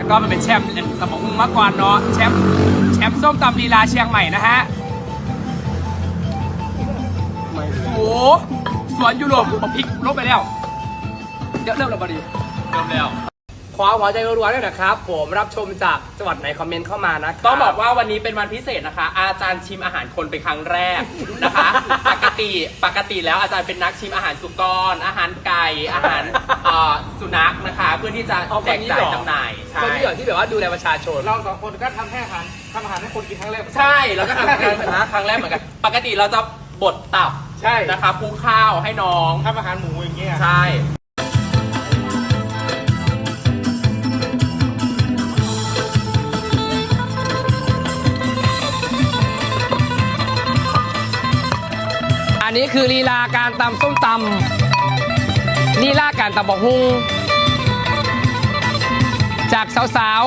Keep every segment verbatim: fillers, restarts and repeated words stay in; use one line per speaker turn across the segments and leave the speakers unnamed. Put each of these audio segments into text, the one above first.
ก็มันเป็นแชมป์ตำบกหุ่งมาก่อนเนาะแชมป์แชมป์ส้มตำลีลาเชียงใหม่นะฮะโอ้สวนยุโรปผมพลิกลบไปแล้วเดี๋ยวเริ่มแล้วบดีเริ่มแล้วขอหัวใจรัวๆด้วยนะครับผมรับชมจากจังหวัดไหนคอมเมนต์เข้ามานะต้องบอกว่าวันนี้เป็นวันพิเศษนะคะอาจารย์ชิมอาหารคนเป็นครั้งแรกนะคะปกติปกติแล้วอาจารย์เป็นนักชิมอาหารสุกรอาหารไก่อาหารสุนัขนะคะเพื่อที่จะแจกจ่ายจำหน่ายคนที่อยู่ที่แบบว่าดูแลประชาชน
เราสองคนก็ทำให้อาหารทำอาหารให้คนกินครั้งแรก
ใช่แล้วก็ทำครั้งแรกเหมือนกันปกติเราจะบดตับ
ใช่
นะคะคลุกข้าวให้น้อง
ทำอาหารหมูอย่างเงี้ย
ใช่อันนี้คือลีลาการตำส้มตำลีลาการตำบักฮุงจากสาว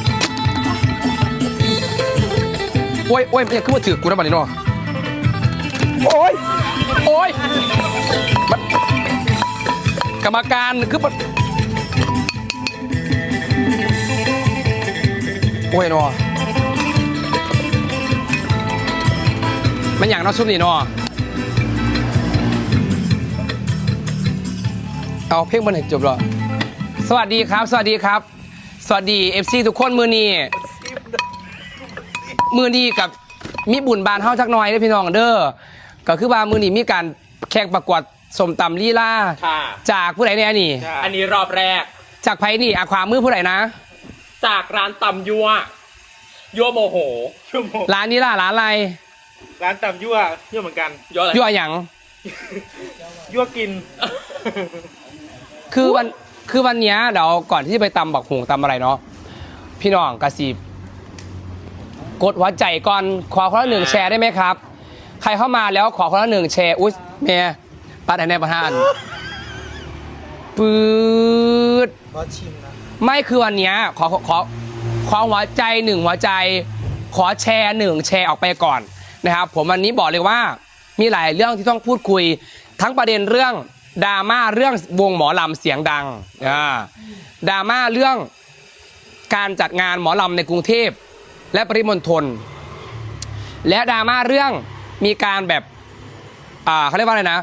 ๆโอ้ยโอ้ยเนี่ยคือมาถือกูนะบัดนี้เนาะโอ้ยโอ้ยกรรมการคือโอ้ยเนาะมันอย่างน้อซุปนี่เนาะเอาเพลงมันให้จบหรอสวัสดีครับสวัสดีครับสวัสดี เอฟ ซี ทุกคนมือนี้มือนี้กับมีบุญบานเฮาจักหน่อยเด้อพี่น้องเด้อก็คือว่ามือนี้มีการแข่งประกวดสมตำลีลาจากผู้ใดเนี่ยนี่อันนี้รอบแรกจากไผนี่อาความมือผู้ใดนะจากร้านตำยั่วยั่วโมโหร้านนี้ล่ะร้านอะไร
ร้านตำยั่วยั่วเหมือนกัน
ยั่วหยัง
ยั่วกิน
คือวันคือวันนี้เดี๋ยวก่อนที่จะไปตำบักหุงตำอะไรเนาะพี่น้องกระสีกดหัวใจก่อนขอคนละหนึ่งแชร์ได้ไหมครับใครเข้ามาแล้วขอคนละหนึ่งแชร์อุ๊ยเมียปัดไหนในประธานปืดไม่คือวันนี้ขอขอขอหัวใจหนึ่งหัวใจขอแชร์หนึ่งแชร์ออกไปก่อนนะครับผมวันนี้บอกเลยว่ามีหลายเรื่องที่ต้องพูดคุยทั้งประเด็นเรื่องดราม่าเรื่องวงหมอลำเสียงดังดราม่าเรื่องการจัดงานหมอลำในกรุงเทพและปริมณฑลและดราม่าเรื่องมีการแบบอ่าเขาเรียกว่าอะไรนะ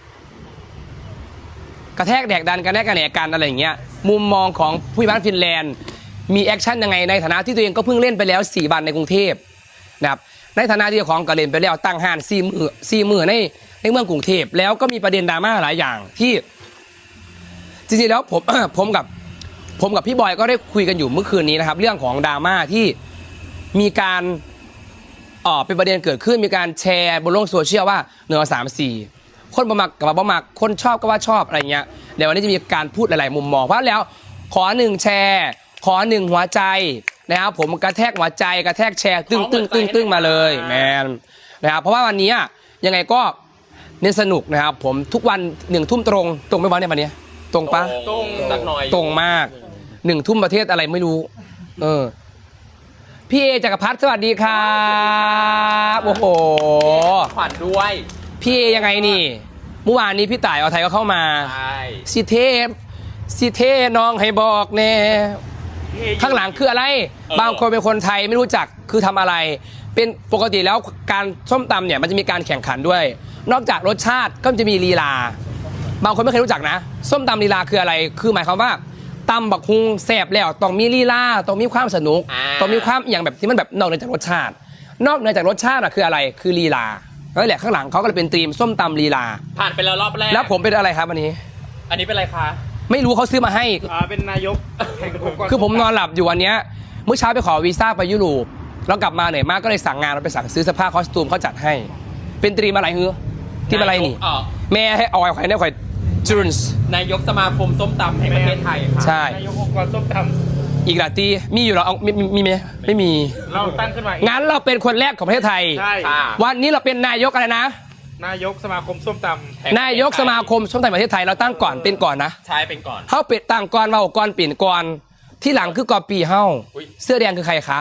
กระแทกแดกดันกระแทกกระแหนกันอะไรอย่างเงี้ยมุมมองของผู้บ้านฟินแลนด์มีแอคชั่นยังไงในฐานะที่ตัวเองก็เพิ่งเล่นไปแล้วสี่วันในกรุงเทพนะครับในฐานะที่ของกระเล่นไปแล้วตั้งห้านสี่มือสี่มือในในเมืองกรุงเทพแล้วก็มีประเด็นดราม่าหลายอย่างที่จริงๆแล้วผมผมกับผมกับพี่บอยก็ได้คุยกันอยู่เมื่อคืนนี้นะครับเรื่องของดราม่าที่มีการอ๋อเป็นประเด็นเกิดขึ้นมีการแชร์บนโลกโซเชียลว่าหนึ่งสามสี่คนประมักกับประมักคนชอบก็ว่าชอบอะไรเงี้ยเดี๋ยววันนี้จะมีการพูดหลายๆมุมมองเพราะแล้วขอหนึ่งแชร์ขอหนึ่งหัวใจนะครับผมกระแทกหัวใจกระแทกแชร์ตึ้งตึ้งตึ้งตึ้งมาเลยแมนนะครับเพราะว่าวันนี้ยังไงก็เน้นสนุกนะครับผมทุกวันหนึ่งทุ่มตรงตรงไม่วันเนี่ยวันนี้ตรงปะ
ตรงสักหน่อย
ตรงมากหนึ่งทุ่มประเทศอะไรไม่รู้เออพี่เอจักรพัฒน์สวัสดีครับโอ้โหขวัญด้วยพี่เอยังไงนี่เมื่อวานนี้พี่ต่ายเอาไทยก็เข้ามาสิเทพสิเทน้องให้บอกแน่ข้างหลังคืออะไรบางคนเป็นคนไทยไม่รู้จักคือทำอะไรเป็นปกติแล้วการส้มตำเนี่ยมันจะมีการแข่งขันด้วยนอกจากรสชาติก็จะมีลีลาบางคนไม่เคยรู้จักนะส้มตำลีลาคืออะไรคือหมายความว่าตำบักฮุงแซ่บแล้วต้องมีลีลาต้องมีความสนุกต้องมีความอย่างแบบที่มันแบบนอกเหนือจากรสชาตินอกเหนือจากรสชาติอะคืออะไรคือลีลานั่นแหละข้างหลังเขาก็เลยเป็นธีมส้มตำลีลาผ่านไปแล้วรอบแรกแล้วผมเป็นอะไรครับวันนี้อันนี้เป็นอะไรคะไม่รู้เขาซื้อมาให้
อ่าเป็นนายกแห่งองค์กร
คือผมนอนหลับอยู่วันนี้เมื่อเช้าไปขอวีซ่าไปยุโรปแล้วกลับมาเหนื่อยมากก็เลยสั่งงานเราไปสั่งซื้อเสื้อผ้าคอสตูมเขาจัดให้เป็นธีมอะไรฮือธีมอะไรนี่แม่ให้เอาไอ้ไข่เนี่ยไข่จูนส์นายกสมาคมส้มตำแห่งประเทศไทยค่ะใช่
นายกองค์กรส้มต
ำอีกหลายตีมีอยู่หรอเอามีมีไหมไม่มี
เราตั้งขึ้นมา
งั้นเราเป็นคนแรกของประเทศไทย
ใช่
วันนี้เราเป็นนายกอะไรนะ
นายกสมาคมส้มตำ
นายกสมาคมส้มตำประเทศไทยเราตั้งก่อนเป็นก่อนนะ
ใช่เป็นก่อน
เฮ้าเป็ดตั้งก่อนเราก่อนปีนก่อนที่หลังคือกอปีเฮ้าเสื้อแดงคือใครคะ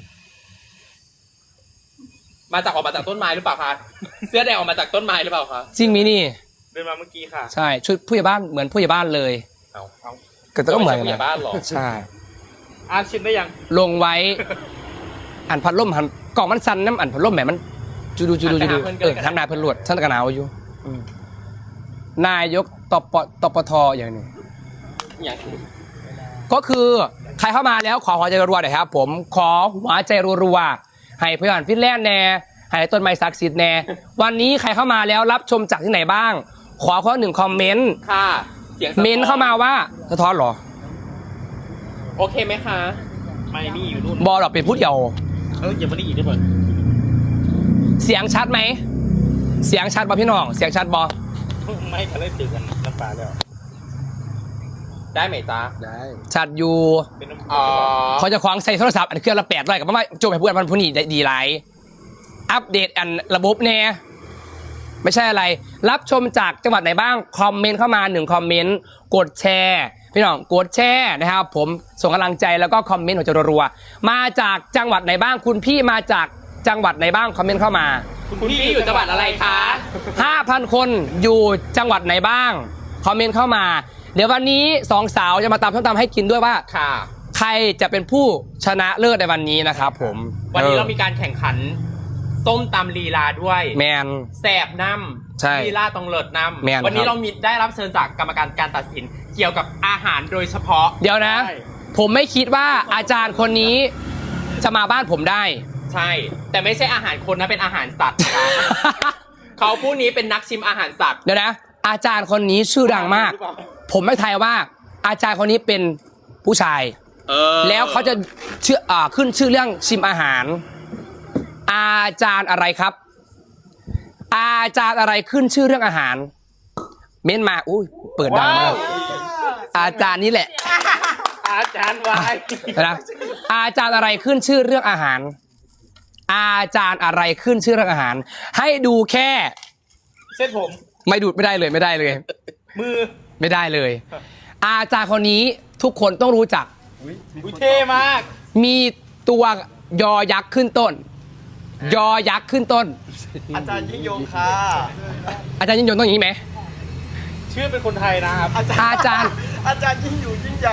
มาจากออกมาจากต้นไม้หรือเปล่าคะเสื้อแดงออกมาจากต้นไม้หรือเปล่าคะจริงมินี่
เดินมาเมื่อกี้ค่ะ
ใช่ชุดผู้ใหญ่บ้านเหมือนผู้ใหญ่บ้านเลย
เอาเอา
ก็ต้องเหมือนผู้ใหญ่บ้านหรอใช่
อาชิมได้ยัง
ลงไว้ อันพัดลมหันกล่องมันสั่นน้ำอันพัดลมแหมมันจูดูจูดูจูดูเออทำนายเพิ่นหลวดท่านกระหนาวอยู่อืมนายกตปตปทอย่างนี้
อย่าง
ก็คือใครเข้ามาแล้วขอหัวใจรัวๆหน่อยครับ ผมขอหัวใจรัวๆให้เพื่อนฟินแลนด์แน่ให้ต้นไม้ศักดิ์สิทธิ์แน่วันนี้ใครเข้ามาแล้วรับชมจากที่ไหนบ้าง ขอข้อหนึ่งคอมเมนต์
ค่ะเสียงสะท้อน
เมนต์เข้ามาว่าสะท้อนเหรอ
โอเคไหมคะ
ไม่มีอยู่นู่น
บอหรอกเป็นพูดเดียว
เอออย่ามาได้อีกได้ป่ะ
เสียงชัดไหมเสียงชัดบอพี่น้องเสียงชัดบอ
ไม่ก็เลยตื่นกันน้ำปลาแล้ว
ได้ไหมจ๊ะ
ได้
ชัดอยู่
เป็นน้ำ
อ๋อ
เขาจะคว้างใส่โทรศัพท์อันเครื่องละแปดร้อยกับว่าโจมให้เพื่อนมันผู้นี้ได้ดีไรอัปเดตอันระบบแน่ไม่ใช่อะไร รับชมจากจังหวัดไหนบ้างคอมเมนต์เข้ามาหนึ่งคอมเมนต์กดแชร์พี่น้องกดแชร์นะครับผมส่งกำลังใจแล้วก็คอมเมนต์ของจรัวๆมาจากจังหวัดไหนบ้างคุณพี่มาจากจังหวัดไหนบ้างคอมเมนต์เข้ามา
คุณพี่อยู่จังหวัดอะไรคะ
ห้าพัน คนอยู่จังหวัดไหนบ้างคอมเมนต์เข้ามา เดี๋ยววันนี้สองสาวจะมาตำส้มตำให้กินด้วยว่า
ค่ะ
ใครจะเป็นผู้ชนะเลิศในวันนี้นะครับผม
วันนี้
ออ
เรามีการแข่งขันส้มตำลีลาด้วย
แมน
แสบน้
ใช่
ำลีลาต้องเลิศน้
แม่น
ำวันนี้
ครับ
เรามีได้รับเชิญจากกรรมการการตัดสินเกี่ยวกับอาหารโดยเฉพาะ
เดี๋ยวนะ ผมไม่คิดว่าอาจารย์คนนี้จะมาบ้านผมได้
ใช่ แต่ไม่ใช่อาหารคนนะเป็นอาหารสัตว์นะคะเขาผู้นี้เป็นนักชิมอาหารสัตว์
เดี๋ยวนะ อาจารย์คนนี้ชื่อดังมาก ผมไม่ทายว่า อาจารย์คนนี้เป็นผู้ชาย
เออ
แล้วเขาจะเชื่ออ่าขึ้นชื่อเรื่องชิมอาหาร อาจารย์อะไรครับ อาจารย์อะไรขึ้นชื่อเรื่องอาหาร เม้นมาอุ้ยเปิดดังมากอาจารย์นี้แหละ
อาจารย์วาย
นะอาจารย์อะไรขึ้นชื่อเรื่องอาหาร อาจารย์อะไรขึ้นชื่อเรื่องอาหาร ให้ดูแค่
เส้นผม
ไม่ดูดไม่ได้เลยไม่ได้เลย
มือ
ไม่ได้เลย อาจารย์คนนี้ทุกคนต้องรู้จัก
อุ้ยเท่มาก
มีตัวยอยักษ์ขึ้นต้น ยอยักษ์ขึ้นต้น
อาจารย์ยิ่งยงค่ะ
อาจารย์ยิ่งยงต้องอย่างนี้ไหม
ชื่อเป็นคนไทยนะครับ
อาจารย์
อาจารย์ยิ่งอยู่ยิ่งใหญ่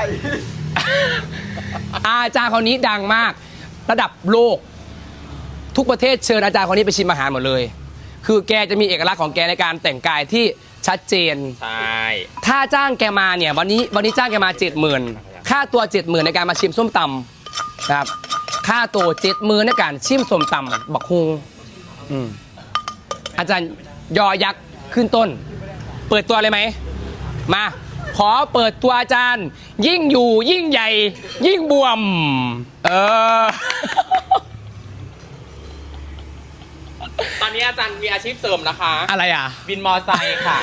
อาจารย์คนนี้ดังมาก ระดับโลก ทุกประเทศเชิญอาจารย์คนนี้ไปชิมอาหารหมดเลย คือแกจะมีเอกลักษณ์ของแกในการแต่งกายที่ชัดเจน
ใช่
ถ้าจ้างแกมาเนี่ยวันนี้วันนี้จ้างแกมาเจ็ดหมื่นค่าตัวเจ็ดหมื่นในการมาชิมส้มตำนะครับค่าตัวเจ็ดหมื่นในการชิมส้มตำบักฮุงอืมอาจารย์ยอยักษ์ขึ้นต้น เปิดตัวเลยไหมมาขอเปิดตัวอาจารย์ ยิ่งอยู่ยิ่งใหญ่ ยิ่งบวม เออ
ตอนนี้อาจารย์มีอาชีพเสริมนะคะ
อะไรอ่ะ
บินมอไซค์ค่ะ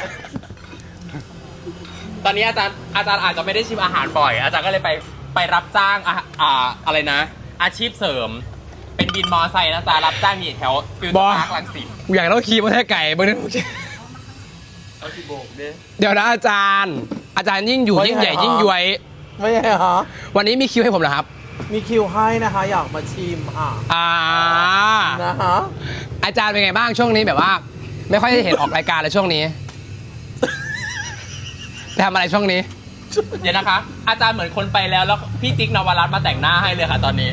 ตอนนี้อาจารย์อาจารย์อาจจะไม่ได้ชิมอาหารบ่อย อาจารย์ก็เลยไปไปรับจ้างอะอ่าอะไรนะ อาชีพเสริม เป็นบินมอไซค์นะจ๊ะรับจ้างอยู่แถวฟิวเจอร์พาร์ครังสิต
กูอยากต้องขี่มอเตอร์ไซค์ไก่เบอร์นึง
เอาที่โบกดิ
เดี๋ยวนะอาจารย์ อาจารย์ยิ่งอยู่ยิ่งใหญ่ยิ่งย้วย
ไม่ใช่เหรอ
วันนี้มีคิวให้ผมเหรอครับ
มีคิวให้นะคะ อยากมาชิมค่ะ
อ่า
นะฮะ
อาจารย์เป็นไงบ้างช่วงนี้แบบว่า ไม่ค่อยได้เห็นออกรายการเลยช่วงนี้ทำอะไรช่วงนี้
เดี๋ยวนะคะ อาจารย์เหมือนคนไปแล้วแล้วพี่จิ๊กนวรัตน์มาแต่งหน้าให้เลยค่ะตอนนี้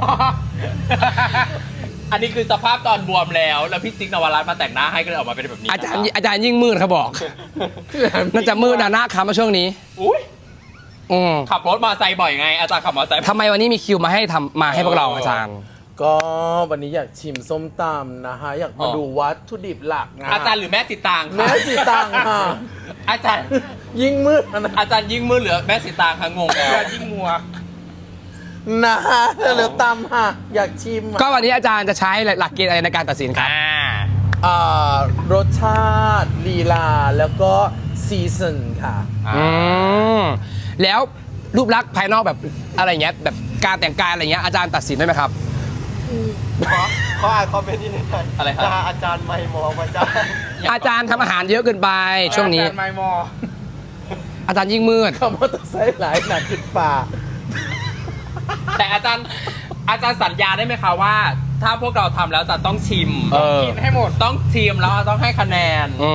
อันนี้คือสภาพตอนบวมแล้ว แล้วพี่จิ๊กนวรัตน์มาแต่งหน้าให้ก็เลยออกมาเป็นแบบนี้
อาจารย์อาจารย์ยิ่งมืดเขาบอก น่าจะมืดนะหน้าคำมาช่วงนี้
อุ้ย
อืม
ขับรถมอเตอร์ไซค์บ่อยไง อาจารย์ขับมอเตอร์ไซค์บ่อย
ทำไมวันนี้มีคิวมาให้ทำมาให้พวกเราอาจารย์
ก็วันนี้อยากชิมส้มตำนะคะ อยากมาดูวัตถุดิบหลักนะ
อาจารย์หรือแม่สิตางคะ
แม่สีตังค่ะ
อาจารย์
ยิ่งมืดนะ
อาจารย์ยิ่งมือเหลือแม่สิตางคะงงแล้ว
อาจารย์ยิ่งมัว
นะฮะเหลือตำค่ะ อยากชิม
ก็วันนี้อาจารย์จะใช้หลักเกณฑ์อะไรในการตัดสินครับ
อ่า
อ่ารสชาติลีลา แล้วก็ซีซันค่ะ
อืมแล้วรูปลักษณ์ภายนอกแบบอะไรเงี้ยแบบการแต่งกายอะไรเงี้ยอาจารย์ตัดสินได้ไหมครับ
ขอขออ่านคอมเมนต์ที่หนึ่ง
อะไรครับ
อาจารย์ไม่มองอาจารย์
อาจารย์ทำอาหารเยอะเกินไปช่วงนี้
อาจารย์ไมมอ
อาจารย์ยิ่งมืด
คำว่าต้องใช้หลายหนักขึ้นป่า
แต่อาจารย์อาจารย์สัญญาได้ไหมคะว่า ถ้าพวกเราทำแล้วจะต้องชิม
เออ
กินให้หมด
ต้องชิมแล้วต้องให้คะแนน
อืม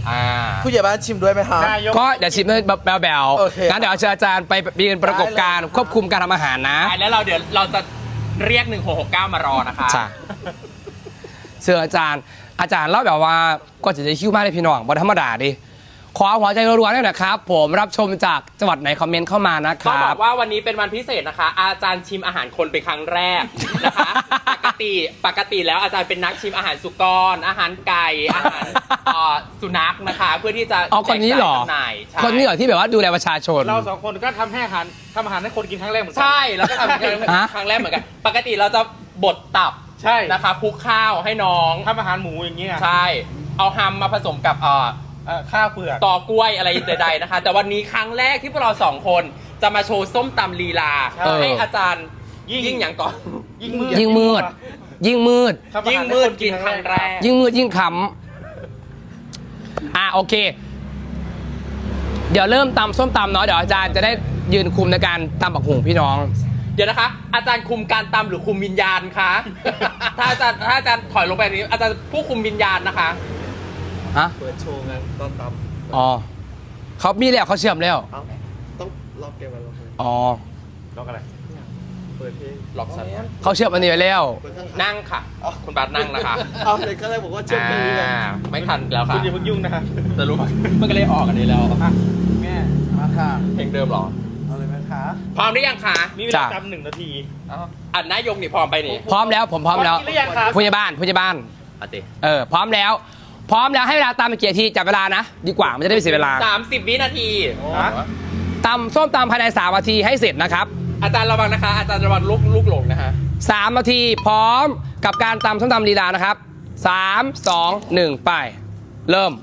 อ่า
ผู้ใหญ่บ้านชิมด้วยไหมคะ
นายก
ก็เดี๋ยวชิมให้แบล
โอเค
ๆงั้นเดี๋ยวเชิญอาจารย์ไปยืนประกบการควบคุมการทำอาหารนะ
ใช่แล้วเราเดี๋ยวเราจะเรียกหนึ่งหกหกเก้ามารอนะคะ
ใช่เชิญอาจารย์ อาจารย์เล่าแบบว่าก็จะได้คิวมากเลยพี่น้องบนธรรมดาดิขอหัวใจรัวๆด้วยนะครับ ผมรับชมจากจังหวัดไหนคอมเมนต์เข้ามานะค
ต้อง
รั
บบ อกว่าวันนี้เป็นวันพิเศษนะคะ อาจารย์ชิมอาหารคนเป็นครั้งแรกนะคะ ปกติปกติแล้วอาจารย์เป็นนักชิมอาหารสุกร อาหารไก่อาหารเอ่อสุนัขนะคะ เพื่อที่จะ
เอาคนนี้เหรอ
แจกจ่ายจำหน่ายใช่
คนนี้เหรอที่แบบว่าดูแลประชาชน
เราสองคนก็ทำให้อาหารทำอาหารให้คนกินครั้งแรกเหมือนกั
ใช่แล้วก็ทำครั้ง
ฮะ
ครั้งแรกเหมือนกัน ปกติเราจะบดตับ
ใช่
นะคะคลุกข้าวให้น้อง
ทำอาหารหมูอย่างเงี้ย
ใช่ เอาฮัมมาผสมกับเอ่อ
เอ่อข้าวเปลือก
ตอกล้วยอะไรใดๆนะคะ แต่วันนี้ครั้งแรกที่พวกเราสองคนจะมาโชว์ส้มตำลีลา
ใช่
ให้อาจารย์
ยิ่ง
ยิ่งอย่างก่อน
ยิ่งมืด
ยิ่งมืด ยิ่งมืด
ทำอาหาร
ยิ่งมืดกินครั้งแรก
ยิ่งมืดยิ่งขำอ่ะโอเค เดี๋ยวเริ่มตำส้มตำเนาะเดี๋ยวอาจารย์จะได้ยืนคุมในการตำบักหุ่งพี่น้อง
เดี๋ยวนะคะ อาจารย์คุมการตำหรือคุมวิญญาณคะ ถ้าอาจารย์ถ้าอาจารย์ถอยลงไปแบบนี้ อาจารย์ผู้คุมวิญญาณนะคะ
ฮะ
เปิดโชว์ไงตอนต
อ๋อเขามีแล้วเขาเชื่อมแล้ว
ำเอ้าต้องล็อกเกมไว้ล็อกเลย
อ๋อ
ล็อกอะไร
เปิดเพลง
ล็อกสัน
เขาเชื่อมอันนี้ไว้แล้ว
เปิดข้าง
นั่งค่ะ คุณบาสนั่งนะคะ
ๆเอาเลยก็เลยบอกว่าเชื่อมเพลงนี้ไง
อ่าไม่ทันแล้ว
คุ
ค่ะ
ณอย่าเพิ่งยุ่งนะครับ
จะรู้มันก็เลยออกกันนี้แล้ว
อ่ะแม่มาค่ะ
เพลงเดิมเหรอ
เอาเลยไหมคะ
พร้อมหรือยังคะ
มีเวลา
จ้ะ
จำหนึ่งนาที
อันนายกนี่พร้อมไปนี่
พร้อมแล้วผมพร้อมแล้ว
กินหรือยังครับ
ผู้ใหญ่บ้านผู้ใหญ่บ้าน
อ่ะติ
เออพร้อมแล้ว พร้อมแล้วให้เวลาตำไปกี่นาทีจับเวลานะ ดีกว่ามันจะได้ไม่เสียเวลา
สามสิบวินาที
ฮะ
ตำส้มตำภายในสามนาทีให้เสร็จนะครับ
อาจารย์ระวังนะคะ อาจารย์ระวังลูกลูกหลงนะคะ
สามนาทีพร้อมกับการตำส้มตำลีลานะครับสามสองหนึ่งไป เริ่ม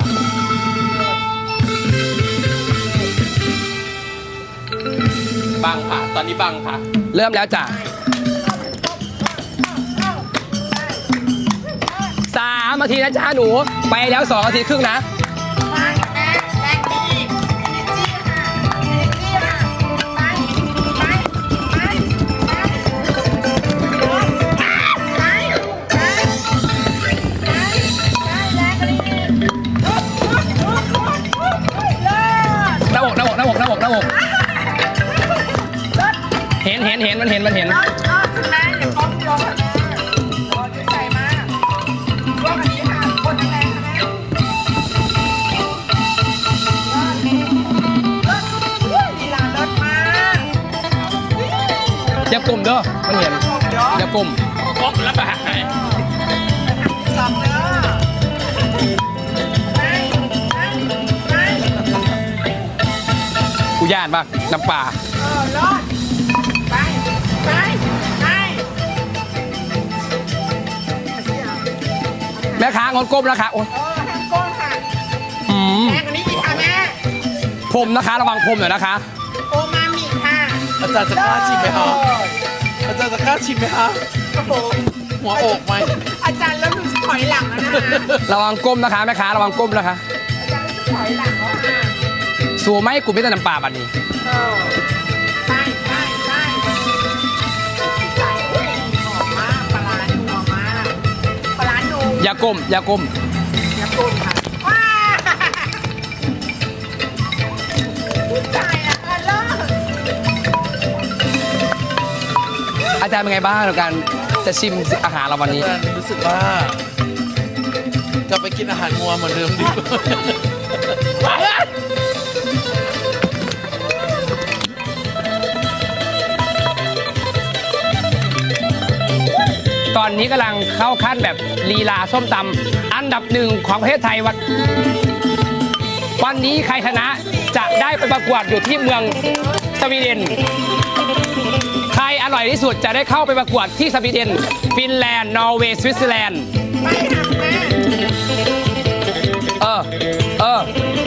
บังค่ะ ตอนนี้บังค่ะ
เริ่มแล้วจ้ะสามนาทีนะจ๊ะหนูไปแล้วสองนาทีครึ่งนะ หน้าอกหน้าอกหน้าอกหน้าอกหน้าอกเห็นเห็นเห็นมันเห็นมันเห็น อย่ากลุ่มเด้อมันเห็นอย่ากลุ่ม
ครบแล้วปะหาย
กูย่านมากน้ำปลาแม่ค้างดก้มนะคะโอ้ยอืมผมนะคะระวังผมหน่อยนะคะ
โอมามิค่ะ
อาจารย์จะกล้าชิมไหมคะอาจารย์จะกล้าชิมไหมคะ
ครับผม
หัวอกไหม
อาจารย์เริ่มรู้สึกถอยหลังแล้วนะคะ
ระวังก้มนะคะแม่ค้าระวังก้มนะคะ
อาจารย์รู้สึกถอยหลังแล้วค่ะ
สูไม่กูไม่แต่น้ำปลาบัดนี้
เออไปไปไปใส่อุ้ยหอมมากปลาร้านัวมากปลาร้านัว
อย่าก้มอย่าก้ม
อย่าโกนค่ะว้าผู้ชายอะค่ะเลิก
อาจารย์เป็นไงบ้างในการจะชิมอาหารเราวันนี้
อาจารย์รู้สึกว่า กลับไปกินอาหารงัวเหมือนเดิมดีกว่า
ตอนนี้กำลังเข้าขั้นแบบลีลาส้มตำอันดับหนึ่งของประเทศไทยวันวันนี้ใครชนะจะได้ไปประกวดอยู่ที่เมืองสวีเดน ใครอร่อยที่สุดจะได้เข้าไปประกวดที่สวีเดน ฟินแลนด์ นอร์เวย์ สวิตเซอร์แลนด์
ไปค่ะแม่
เออ เออ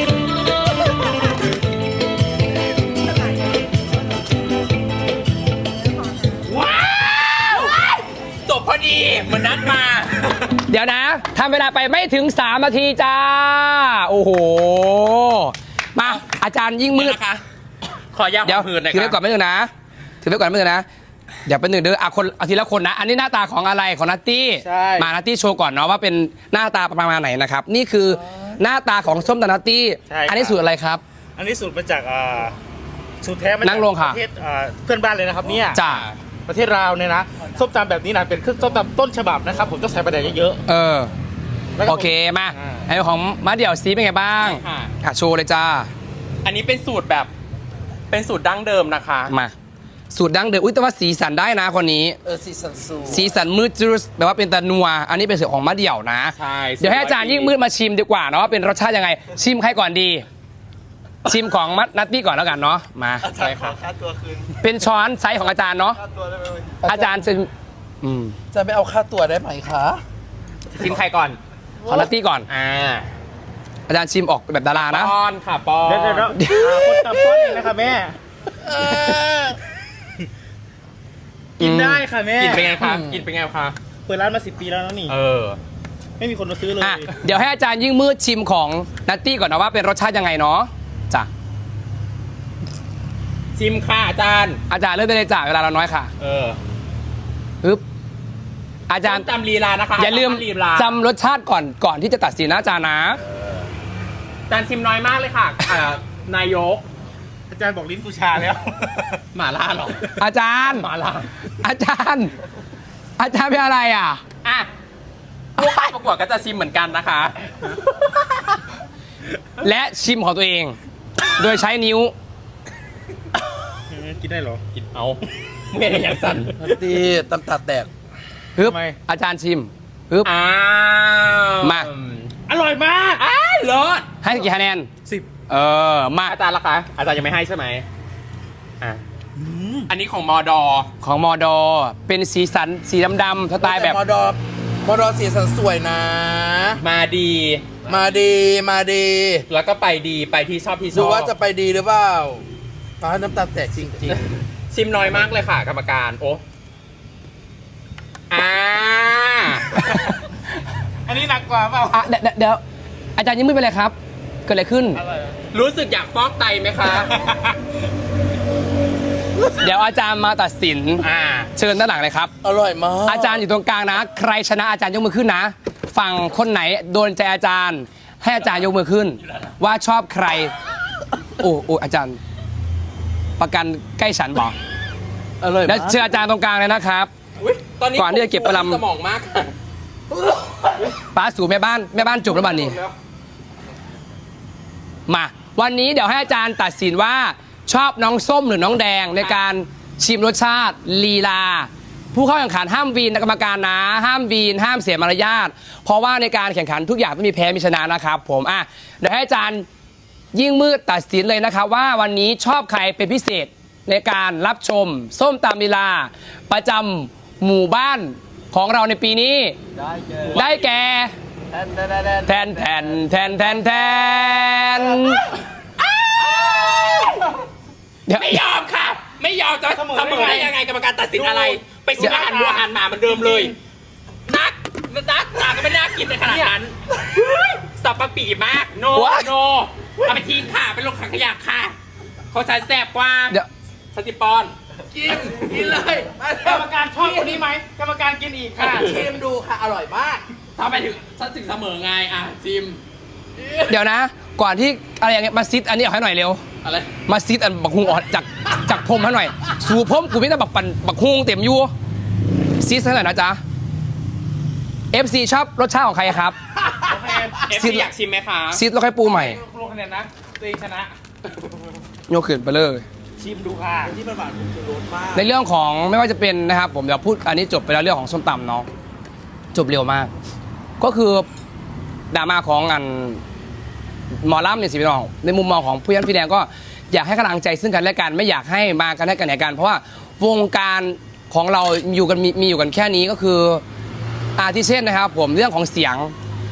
ว้าวจบพอดีเหมือนนัดมา
เดี๋ยวนะทำเวลาไปไม่ถึงสามนาทีจ้า โอ้โห มาอาจารย์ยิ่งมืด
นะคะ ขอยา
เดี๋ยว
หืนหน่อย
ถือไว้
ค
ก่อ
รับ
นไม่ถึงนะ ถือไว้ก่อนไม่ถึงนะ เดี๋ยวเป็นหนึ่งเดืออ่ะคนเอาทีละคนนะ อันนี้หน้าตาของอะไรของนัตตี้
ใช่
มานัตตี้โชว์ก่อนเนาะว่าเป็นหน้าตาประมาณไหนนะครับ นี่คือหน้าตาของส้มตำนัตตี้
ใช่ครับ
อันนี้สูตรอะไรครับ
อันนี้สูตรมาจากอ่าสูตรแท้มาจาก
นั่งลงค่ะ
ประเทศอ่าเพื่อนบ้านเลยนะครับเนี่ย
จ้า
ประเทศลาวเนี่ยนะส้มตำแบบนี้นะเป็นเครื่องส้มตำต้นฉบับนะครับผมต้องใส่ประเดี๋ยวเยอะ
เออ
ๆแล้วก็
โอเคมา
อ่า
ไอของมาเดี่ยวซีเป็นไงบ้าง
ค่ะ
อ่ะโชว์เลยจ้า
อันนี้เป็นสูตรแบบเป็นสูตรดั้งเดิมนะคะ
มาสูตรดั้งเดิมอุ้ยแต่ว่าสีสันได้นะคนนี้
เออซีซันซู
สีสันมืดจืดแบบว่าเป็นตะนัว อันนี้เป็นสูตรของมะเดี่ยวนะ
ใช่
เดี๋ยวให้อาจารย์ยิ่งมืดมาชิมดีกว่าเนาะว่าเป็นรสชาติยังไง ชิมใครก่อนดี ชิมของมัดนัตตี้ก่อนแล้วกันเนาะมา
อาจารย์ขอค่าตัวคืน
เป็นช้อนไซส์ของอาจารย์เนาะ
ค่าตัวได้ไหม
อาจารย์จะอืม
จะไม่เอาค่าตัวได้ไหมคะ
ชิมใครก่อน
ของนัตตี้ก่อน
อ่า
อาจารย์ชิมออกแบบดารานะ
ป้อนค่ะป้อน
เดี๋ยวเดี๋ยวเดี๋ยวอ่าคนตำป้อนเองนะครับแม่ กินได้ค่ะแม่
กินเป็นไงคะกินเป็นไงคะ
เปิดร้านมาสิบปีแล้วนะนี่
เออ
ไม่มีคนมาซื้อเลย
อ่ะเดี๋ยวให้อาจารย์ยิ่งมืดชิมของนัตตี้ก่อนนะว่าเป็นรสชาติยังไงเนาะจ้ะ
ชิมค่ะอาจารย์
อาจารย์เริ่มได้เลยจ้ะเวลาเราน้อยค่ะ
เออ
ปึ๊บอาจารย์
ส้มตำลีลานะคะ
อย่าลืม
ส้ตำลีลา
จำรสชาติก่อนก่อนที่จะตัดสินนะอาจารย์นะ
อาจารย์ชิมน้อยมากเลยค่ะอ่านายก
อาจารย์บอกลิ้นกูชาแล้ว
หมาล่าเหรอ
อาจารย์
หมาล่า
อาจารย์ อาจารย์เป็นอะไรอ่ะ
อ่ะผู้เข้าประกวดก็จะชิมเหมือนกันนะคะ
และชิมของตัวเอง โดยใช้นิ้ว
กินได้เหรอ
กินเอาเมื่ออย่างสั่น
นัตตี้ตำตาแตก
ปึ๊บ
ทำไม
อาจารย์ชิมปึ๊บ
อ้าว
มา
อร่อยมาก
อ้าวเลิศ
ให้กี่คะแนน
สิบ
เออ มา
อาจารย์ล่ะคะ อาจารย์ยังไม่ให้ใช่ไหมอ่ะอันนี้ของมอดอ
ของมอดอ เป็นสีสันสีดำๆสไตล์แบบ
มอดอมอดอสีสันสวยนะ
มาดี
มาดีมาดี
แล้วก็ไปดีไปที่ชอบที่ช
ดู
อบ
ว่าจะไปดีหรือเปล่าฟ้าน้ำตาแตกจริง
ชิมน้อยมากเลยค่ะ กรรมการ โอ้อ่า
อันนี้หนักกว่าเปล่า
อ่ะเดี๋ยวเดี๋ยวอาจารย์ยังไม่เป็นไรครับ เกิดอะไรขึ้น
รู้สึกอยากฟอกไตไหมคะ
เดี๋ยวอาจารย์มาตัดสิน
อ่า
เชิญด้านหลังเลยครับ
ๆ อร่อยมาก
อาจารย์อยู่ตรงกลางนะ ใครชนะอาจารย์ยกมือขึ้นนะ ฝั่งคนไหนโดนใจอาจารย์ ให้อาจารย์ยกมือขึ้น ว่าชอบใคร โอ้โอ้อาจารย์ ประกันใกล้ฉันบอก
อร่อย
แล้ว
มาก
เชิญอาจารย์ตรงกลางเลยนะครับ
อุ๊ยตอนนี้
ก่อนที่จะเก็บประลำ
สมองมากค่ะ
ป้าสู่แม่บ้านแม่บ้านจบแล้วบัดนี้ มา วันนี้เดี๋ยวให้อาจารย์ตัดสินว่าชอบน้องส้มหรือน้องแดงในการชิมรสชาติลีลา ผู้เข้าแข่งขันห้ามวีนนะกรรมการนะ ห้ามวีนห้ามเสียมารยาทเพราะว่าในการแข่งขันทุกอย่างต้องมีแพ้มีชนะนะครับ ผมอ่ะเดี๋ยวให้อาจารย์ยิ่งมืดตัดสินเลยนะครับ ว่าวันนี้ชอบใครเป็นพิเศษในการรับชม ส้มตำลีลา ประจำหมู่บ้านของเราในปีนี้ ได้แก่ แทนแทนแทนแทนแทนเดี๋ยว
ไม่ยอมค่ะ ไม่ยอมจะ
เสมอ
เสมอได้
ได้ไง
ยังไงกรรมการตัดสินอะไร ไปชิมอาหารวัวอาหารหมาเหมือนเดิมเลยนักนักตาก็ไม่น่ากินในขนาดนั้นสับปะปีมาก โน โน เอาไปทิ้งค่ะไปลงถังขยะค่ะเขาใช้แสบกว่า
เดี๋ยว
สติปอน
กิน กินเลย
กรรมการชอบคนนี้ไหมกรรมการกินอีกค่ะ
ชิมดูค่ะ อร่อยมาก
ทำไปถึงฉันถึงเสมอไงอ่ะจิม
เดี๋ยวนะ ก่อนที่อะไรอย่างเงี้ยมาซิดอันนี้ออกให้หน่อยเร็ว
อะไร
มาซิดอันบักฮุงออกจากจากพรมให้หน่อย สู่พรมกูไม่ได้บักปันบักฮุงเต็มอยู่ซิดให้หน่อยนะจ๊ะ เอฟ ซี ชอบรสชาติของใครครับ
เอฟ
ซิ
ซี
ด
อยากชิมไหมคะ
ซิดแล้วค่อยปูใหม่
ลงคะแนนนะตัวเองชนะ
โยกขึ้นไปเลย
ชิมดูค่ะ
ที่มันหวานผมจะรสมาก
ในเรื่องของไม่ว่าจะเป็นนะครับ ผมเดี๋ยวพูดอันนี้จบไปแล้วเรื่องของส้มตำเนาะจบเร็วมาก ก็คือดราม่าของอันหมอลำเนี่ยสิพี่น้องในมุมมองของผู้ยันพี่แดงก็อยากให้กำลังใจซึ่งกันและกันไม่อยากให้มากันให้กันไหนกัน เพราะว่าวงการของเราอยู่กันมีมีอยู่กันแค่นี้ก็คืออาทิเช่นนะครับ ผมเรื่องของเสียง